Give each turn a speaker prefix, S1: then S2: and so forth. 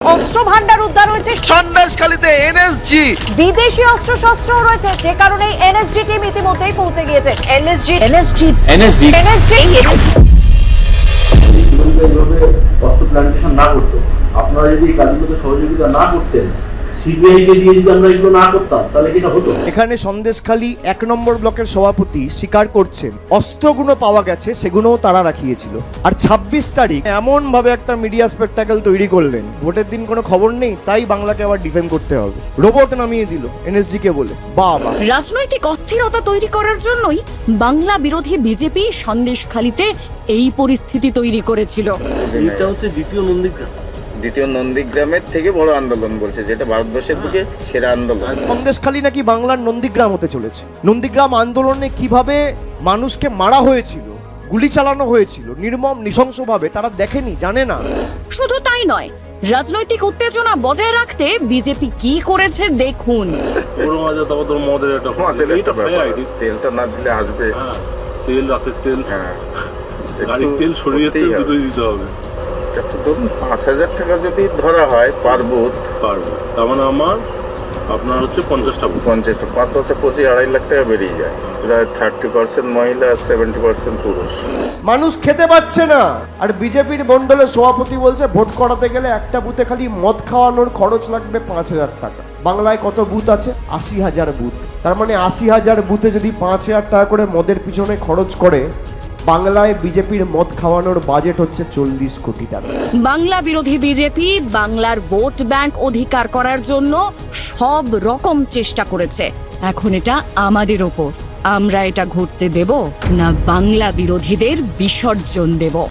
S1: অস্ত্র ভান্ডার উদ্ধার হয়েছে
S2: সন্দেশখালীতে এনএসজি,
S1: বিদেশি অস্ত্র শস্ত্র রয়েছে, যে কারণে এনএসজি টিম ইতিমধ্যেই পৌঁছে গিয়েছে। এনএসজি
S3: এইভাবে অস্ত্র প্ল্যান্টেশন না করতো, আপনারা যদি এই কাজগুলোতে সহযোগিতা না করতেন, সিবিআই কে দিয়ে যদি আমরা এগুলো না করতাম, তাহলে কি এটা হতো?
S4: এখানে সন্দেশখালী 1 নম্বর ব্লকের সভাপতি স্বীকার করছেন অস্ত্রগুলো পাওয়া গেছে, সেগুলোও তারা রাখিয়েছিল। আর 26 তারিখ এমন ভাবে একটা মিডিয়া স্পেকটাকেল তৈরি করলেন, ভোটের দিন কোনো খবর নেই, তাই বাংলাকে আবার ডিফেন্ড করতে হবে। রোবট নামিয়ে দিল এনএসজি কে বলে। বাবা,
S5: রাজনৈতিক অস্থিরতা তৈরি করার জন্যই বাংলা বিরোধী বিজেপি সন্দেশখালীতে এই পরিস্থিতি তৈরি করেছিল।
S3: এটা হচ্ছে
S6: দ্বিতীয় নন্দীগ্রামের থেকে বড় আন্দোলন বলছে, যেটা ভারতবর্ষের দিকে সেরা আন্দোলন।
S4: সন্দেশখালী নাকি বাংলার নন্দীগ্রাম হতে চলেছে। নন্দীগ্রাম আন্দোলনে কিভাবে মানুষকে মারা হয়েছিল, গুলি চালানো হয়েছিল নির্মম নৃশংসভাবে, তারা দেখেনি, জানে না।
S5: শুধু তাই নয়, রাজনৈতিক উত্তেজনা বজায় রাখতে বিজেপি কি করেছে দেখুন।
S6: তেলটা না দিলে আসবে,
S3: তেল, রাতের তেল, গাড়ির তেল, শরীরের তেল দুটোই দিতে হবে।
S6: ধরুন 5,000 টাকা যদি ধরা হয় পারবো,
S3: তার মানে আপনার হচ্ছে 50টা
S6: 5 বছর 25-2.5 লাখ টাকা বেরিয়ে যায়। প্রায় 30% মহিলা, 70% পুরুষ।
S4: মানুষ খেতে পাচ্ছে না, আর বিজেপির মন্ডলের সভাপতি বলছে ভোট করাতে গেলে একটা বুথে খালি মদ খাওয়ানোর খরচ লাগবে 5,000 টাকা। বাংলায় কত বুথ আছে? 80,000 বুথ। তার মানে 80,000 বুথে যদি 5,000 টাকা করে মদের পিছনে খরচ করে, বাংলায় বিজেপির মদ খাওয়ানোর বাজেট হচ্ছে 40 কোটি টাকা।
S5: বাংলা বিরোধী বিজেপি বাংলার ভোট ব্যাংক অধিকার করার জন্য সব রকম চেষ্টা করেছে। এখন এটা আমাদের ওপর, আমরা এটা ঘটতে দেব না বাংলা বিরোধীদের বিসর্জন দেব।